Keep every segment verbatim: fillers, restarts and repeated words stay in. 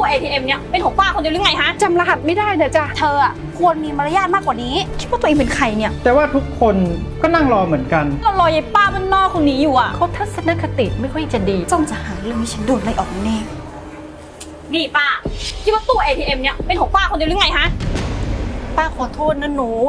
เอ ที เอ็ม เนี่ยเป็นของป้าคนเดียวหรือไงฮะจำรหัสไม่ได้นะจ๊ะเธออ่ะควรมีมารยาทมากกว่านี้คิดว่าตัวเองเป็นใครเนี่ยแต่ว่าทุกคนก็นั่งรอเหมือนกันเรารอยายป้าบ้านนอกคนนี้อยู่อ่ะเขาทัศนคติไม่ค่อยจะดีจ้องจะหาเรื่องให้ฉันโดนไล่ออกแน่นี่ป้าคิดว่าตู้ เอ ที เอ็ม เนี่ยเป็นของป้าคนเดียวหรือไงฮะป้าขอโทษนะหนู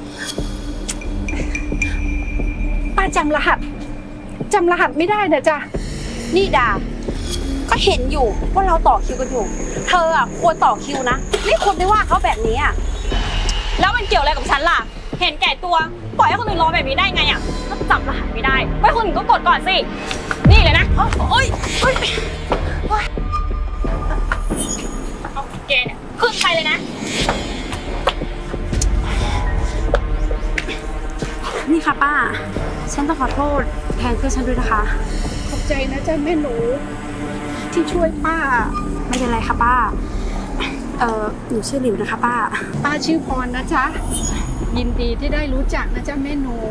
ป้าจำรหัสจำรหัสไม่ได้นะจ๊ะนี่ดาก็เห็นอยู่ว่าเราต่อคิวกันอยู่เธออ่ะควรต่อคิวนะไม่ควรไปว่าเขาแบบนี้อ่ะแล้วมันเกี่ยวอะไรกับฉันล่ะเห็นแก่ตัวปล่อยให้คนอื่นรอแบบนี้ได้ไงอ่ะถ้าจำรหัสไม่ได้ไว้คนอื่นก็กดก่อนสินี่เลยนะโอ๊ยโอ๊ยเอาแกเนี่ยขึ้นไปเลยนะนี่ค่ะป้าฉันต้องขอโทษแทนเพื่อนฉันด้วยนะคะขอบใจนะจ๊ะแม่หนูที่ช่วยป้าไม่เป็นไรค่ะป้าเออหนูชื่อหลิวนะคะป้าป้าชื่อพรนะจ๊ะยินดีที่ได้รู้จักนะจ๊ะแม่หนู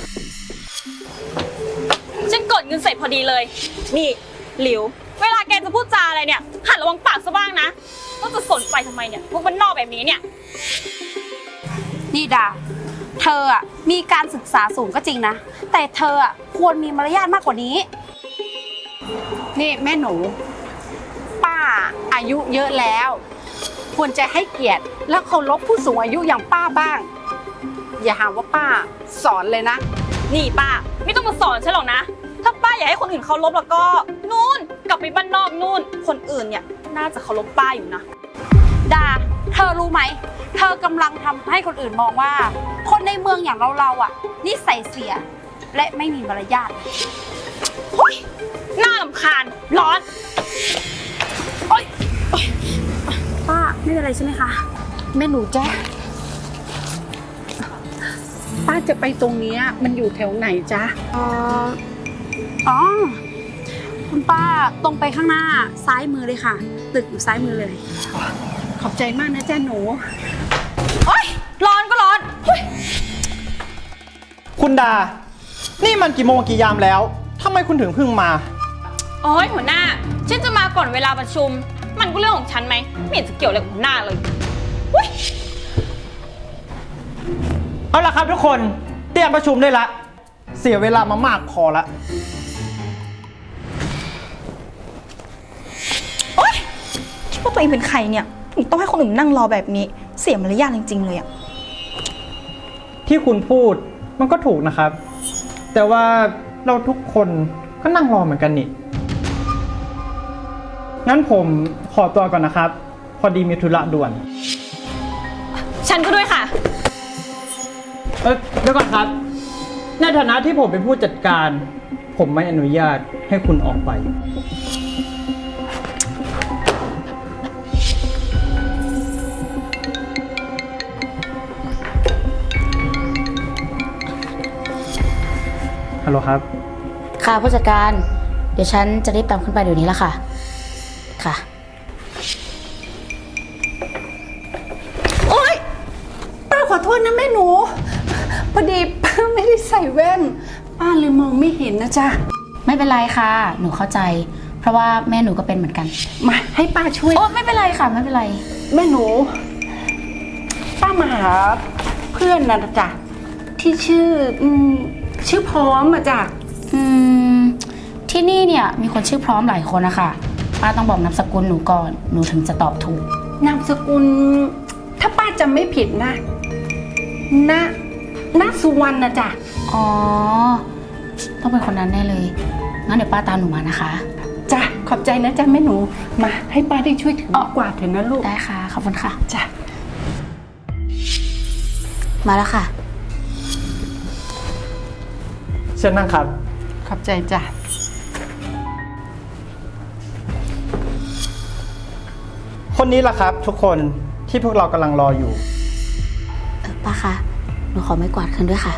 ฉันกดเงินเสร็จพอดีเลยนี่หลิวเวลาแกจะพูดจาอะไรเนี่ยหัดระวังปากซะบ้างนะต้องจะสนใจทำไมเนี่ยพวกมันนอกแบบนี้เนี่ยนี่ดาเธออ่ะมีการศึกษาสูงก็จริงนะแต่เธออ่ะควรมีมารยาทมากกว่านี้นี่แม่หนูป้าอายุเยอะแล้วควรจะให้เกียรติและเคารพผู้สูงอายุอย่างป้าบ้างอย่าหาว่าป้าสอนเลยนะนี่ป้าไม่ต้องมาสอนฉันหรอกนะถ้าป้าอยากให้คนอื่นเคารพแล้วก็นู่นกลับไปบ้านนอกนู่นคนอื่นเนี่ยน่าจะเคารพป้าอยู่นะดาเธอรู้ไหมเธอกำลังทำให้คนอื่นมองว่าคนในเมืองอย่างเราเราอ่ะนิสัยเสียและไม่มีมารยาทโอ๊ยน่ารำคาญร้อนโอ๊ยป้าไม่เป็นไรใช่ไหมคะแม่หนูจ้ะป้าจะไปตรงนี้มันอยู่แถวไหนจ๊ะเอออ๋อคุณป้าตรงไปข้างหน้าซ้ายมือเลยค่ะตึกอยู่ซ้ายมือเลยขอบใจมากนะจ๊ะหนูโอ๊ยร้อนก็ร้อนคุณดานี่มันกี่โมงกี่ยามแล้วทำไมคุณถึงเพิ่งมาโอ๊ยหัวหน้าฉันจะมาก่อนเวลาประชุมมันก็เรื่องของฉันไหมไม่เห็นจะเกี่ยวอะไรกับหัวหน้าเลยเอาละครับทุกคนเตรียมประชุมได้ละเสียเวลามามากพอละโอ๊ยคิดว่าตัวเองเป็นใครเนี่ยถึงต้องให้คนอื่นนั่งรอแบบนี้เสียมารยาทจริงๆเลยอะที่คุณพูดมันก็ถูกนะครับแต่ว่าเราทุกคนก็นั่งรอเหมือนกันนี่งั้นผมขอตัวก่อนนะครับพอดีมีธุระด่วนฉันก็ด้วยค่ะเออเดี๋ยวก่อนครับในฐานะที่ผมเป็นผู้จัดการผมไม่อนุญาตให้คุณออกไปฮัลโหลครับค่ะผู้จัดการเดี๋ยวฉันจะรีบตามขึ้นไปเดี๋ยวนี้ละค่ะค่ะโอ๊ยป้าขอโทษนะแม่หนูพอดีป้าไม่ได้ใส่แว่นป้าเลยมองไม่เห็นนะจ๊ะไม่เป็นไรค่ะหนูเข้าใจเพราะว่าแม่หนูก็เป็นเหมือนกันมาให้ป้าช่วยโอ้ไม่เป็นไรค่ะไม่เป็นไรแม่หนูป้ามาหาเพื่อนนะจ๊ะที่ชื่อชื่อพร้อมอะจ๊ะอืมที่นี่เนี่ยมีคนชื่อพร้อมหลายคนนะคะป้าต้องบอกนามสกุลหนูก่อนหนูถึงจะตอบถูกนามสกุลถ้าป้าจำไม่ผิดนะณณสุวรรณนะจ๊ะอ๋อต้องเป็นคนนั้นแน่เลยงั้นเดี๋ยวป้าตามหนูมานะคะจ้ะขอบใจนะจ๊ะแม่หนูมาให้ป้าได้ช่วยถือกวาดเถอะนะลูกได้ค่ะขอบคุณค่ะจ้ะมาแล้วค่ะเชิญนั่งครับขอบใจจ้ะคนนี้แหละครับทุกคนที่พวกเรากำลังรออยู่เออป้าคะหนูขอไม้กวาดคืนด้วยค่ะ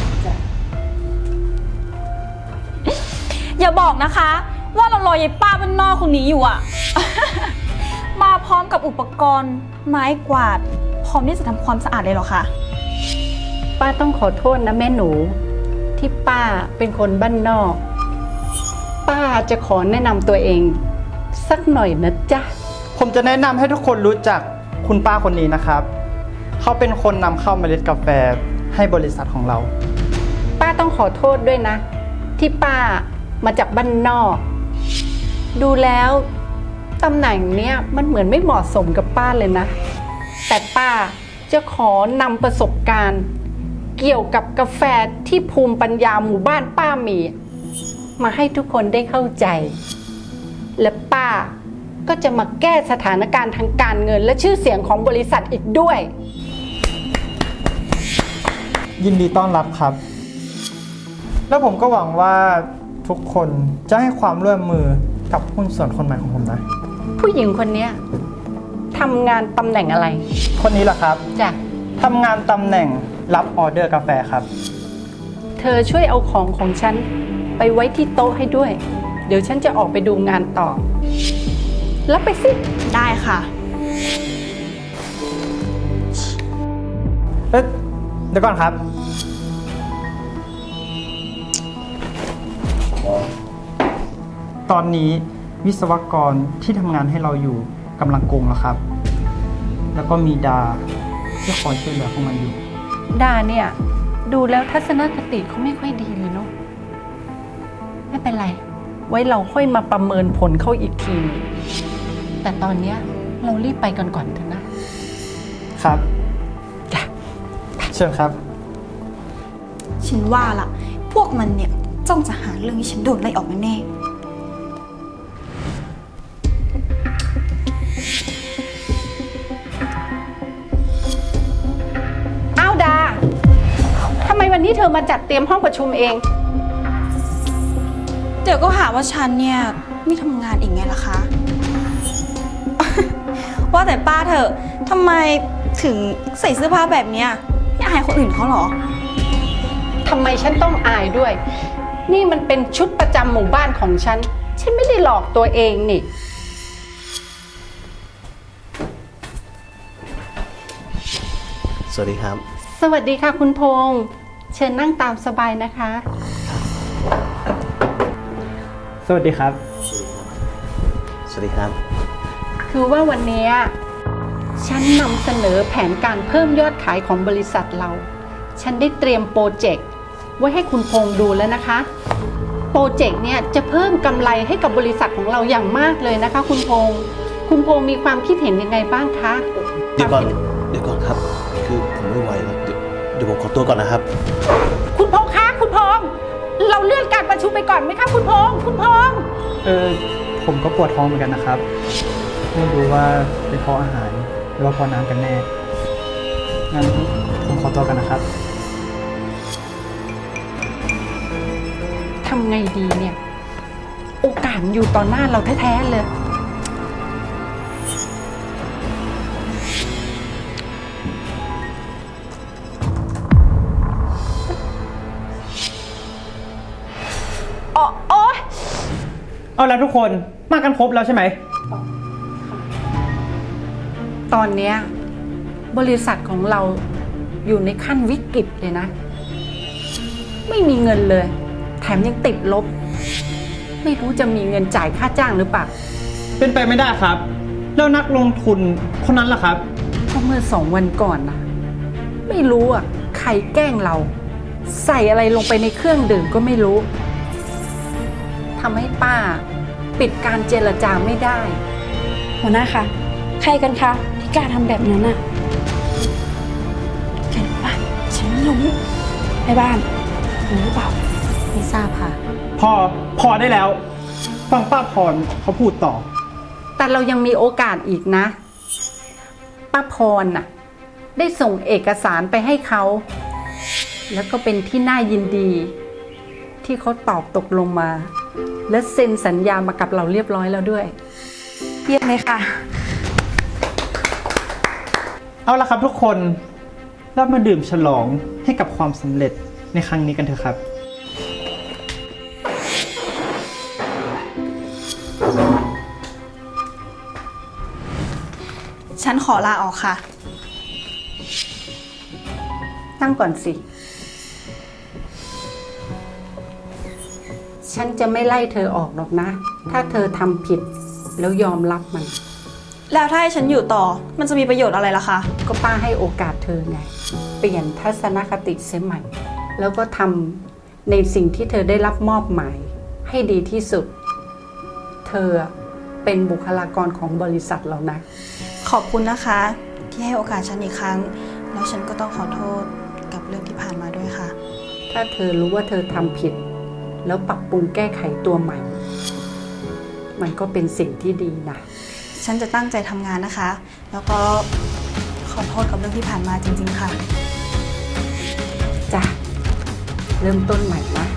อย่าบอกนะคะว่าเรารอยายป้าบ้านนอกคนนี้อยู่อ่ะ มาพร้อมกับอุปกรณ์ไม้กวาดพร้อมที่จะทำความสะอาดเลยเหรอคะป้าต้องขอโทษนะแม่หนูที่ป้าเป็นคนบ้านนอก ป้าจะขอแนะนำตัวเองสักหน่อยนะจ๊ะผมจะแนะนำให้ทุกคนรู้จักคุณป้าคนนี้นะครับ เขาเป็นคนนำเข้าเมล็ดกาแฟให้บริษัทของเราป้าต้องขอโทษด้วยนะ ที่ป้ามาจากบ้านนอก ดูแล้วตำแหน่งเนี้ยมันเหมือนไม่เหมาะสมกับป้าเลยนะ แต่ป้าจะขอนำประสบการณ์ เกี่ยวกับกาแฟที่ภูมิปัญญาหมู่บ้านป้ามี มาให้ทุกคนได้เข้าใจ และป้าก็จะมาแก้สถานการณ์ทางการเงินและชื่อเสียงของบริษัทอีกด้วยยินดีต้อนรับครับ แล้วผมก็หวังว่าทุกคนจะให้ความร่วมมือกับหุ้นส่วนคนใหม่ของผมนะผู้หญิงคนเนี้ยทำงานตำแหน่งอะไรคนนี้แหละครับจ้ะทำงานตำแหน่งรับออเดอร์กาแฟครับเธอช่วยเอาของของฉันไปไว้ที่โต๊ะให้ด้วย เดี๋ยวฉันจะออกไปดูงานต่อ แล้วไปสิได้ค่ะเอ๊ะเดี๋ยวก่อนครับ ตอนนี้วิศวกรที่ทำงานให้เราอยู่กำลังโกงแล้วครับ แล้วก็มีดาที่คอยช่วยเหลือพวกมันอยู่ดาเนี่ยดูแล้วทัศนคติเขาไม่ค่อยดีเลยเนาะไม่เป็นไร ไว้เราค่อยมาประเมินผลเขาอีกที แต่ตอนเนี้ยเรารีบไปกันก่อนเถอะนะครับ จ้ะเชิญครับฉันว่าล่ะ พวกมันเนี่ยจ้องจะหาเรื่องให้ฉันโดนไล่ออกแน่อ้าวดาทำไมวันนี้เธอมาจัดเตรียมห้องประชุมเองๆเดี๋ยวก็หาว่าฉันเนี่ยไม่ทำงานอีกไงล่ะคะ ว่าแต่ป้าเถอะทำไมถึงใส่เสื้อผ้าแบบเนี้ยไม่อายคนอื่นเขาเหรอทำไมฉันต้องอายด้วย นี่มันเป็นชุดประจำหมู่บ้านของฉัน ฉันไม่ได้หลอกตัวเองนี่สวัสดีครับสวัสดีค่ะคุณพงษ์เชิญนั่งตามสบายนะคะสวัสดีครับสวัสดีครับคือว่าวันนี้ฉันนำเสนอแผนการเพิ่มยอดขายของบริษัทเรา ฉันได้เตรียมโปรเจกต์ไว้ให้คุณพงษ์ดูแล้วนะคะ โปรเจกต์เนี่ยจะเพิ่มกำไรให้กับบริษัทของเราอย่างมากเลยนะคะ คุณพงษ์คุณพงษ์มีความคิดเห็นยังไงบ้างคะเดี๋ยวก่อน เดี๋ยวก่อนครับ คือผมไม่ไหวแล้วเดี๋ยวเดี๋ยวผมขอตัวก่อนนะครับคุณพงษ์คะคุณพงษ์เราเลื่อนการประชุมไปก่อนไหมคะคุณพงษ์คุณพงษ์เออผมก็ปวดท้องเหมือนกันนะครับ ไม่รู้ว่าเป็นเพราะอาหารหรือว่าเพราะน้ำกันแน่ งั้นผมขอตัวกันนะครับทำไงดีเนี่ย โอกาสอยู่ต่อหน้าเราแท้ๆเลยอ๋อโอ๊ยเอาแล้วทุกคนมากันครบแล้วใช่ไหมตอนเนี้ยบริษัทของเราอยู่ในขั้นวิกฤตเลยนะ ไม่มีเงินเลย แถมยังติดลบ ไม่รู้จะมีเงินจ่ายค่าจ้างหรือเปล่าเป็นไปไม่ได้ครับ แล้วนักลงทุนคนนั้นล่ะครับก็เมื่อสองวันก่อนนะไม่รู้อ่ะใครแกล้งเรา ใส่อะไรลงไปในเครื่องดื่มก็ไม่รู้ทำให้ป้าปิดการเจรจาไม่ได้หัวหน้าคะ ใครกันคะที่กล้าทำแบบนั้นน่ะใครรู้ปะฉันไม่รู้ในบ้านรู้หรือเปล่าไม่ทราบค่ะพอพอได้แล้ว ฟังป้าพรเขาพูดต่อแต่เรายังมีโอกาสอีกนะ ป้าพรน่ะ ได้ส่งเอกสารไปให้เขา แล้วก็เป็นที่น่ายินดี ที่เขาตอบตกลงมา และเซ็นสัญญามากับเราเรียบร้อยแล้วด้วยเยี่ยมเลยค่ะเอาละครับทุกคนเรามาดื่มฉลองให้กับความสำเร็จในครั้งนี้กันเถอะครับฉันขอลาออกค่ะนั่งก่อนสิ ฉันจะไม่ไล่เธอออกหรอกนะ ถ้าเธอทำผิดแล้วยอมรับมันแล้วถ้าให้ฉันอยู่ต่อ มันจะมีประโยชน์อะไรล่ะคะก็ป้าให้โอกาสเธอไง เปลี่ยนทัศนคติเสียใหม่ แล้วก็ทำในสิ่งที่เธอได้รับมอบหมายให้ดีที่สุด เธอเป็นบุคลากรของบริษัทเรานะขอบคุณนะคะ ที่ให้โอกาสฉันอีกครั้ง แล้วฉันก็ต้องขอโทษกับเรื่องที่ผ่านมาด้วยค่ะถ้าเธอรู้ว่าเธอทำผิด แล้วปรับปรุงแก้ไขตัวใหม่ มันก็เป็นสิ่งที่ดีนะฉันจะตั้งใจทำงานนะคะ แล้วก็ขอโทษกับเรื่องที่ผ่านมาจริงๆค่ะจ้ะ เริ่มต้นใหม่นะ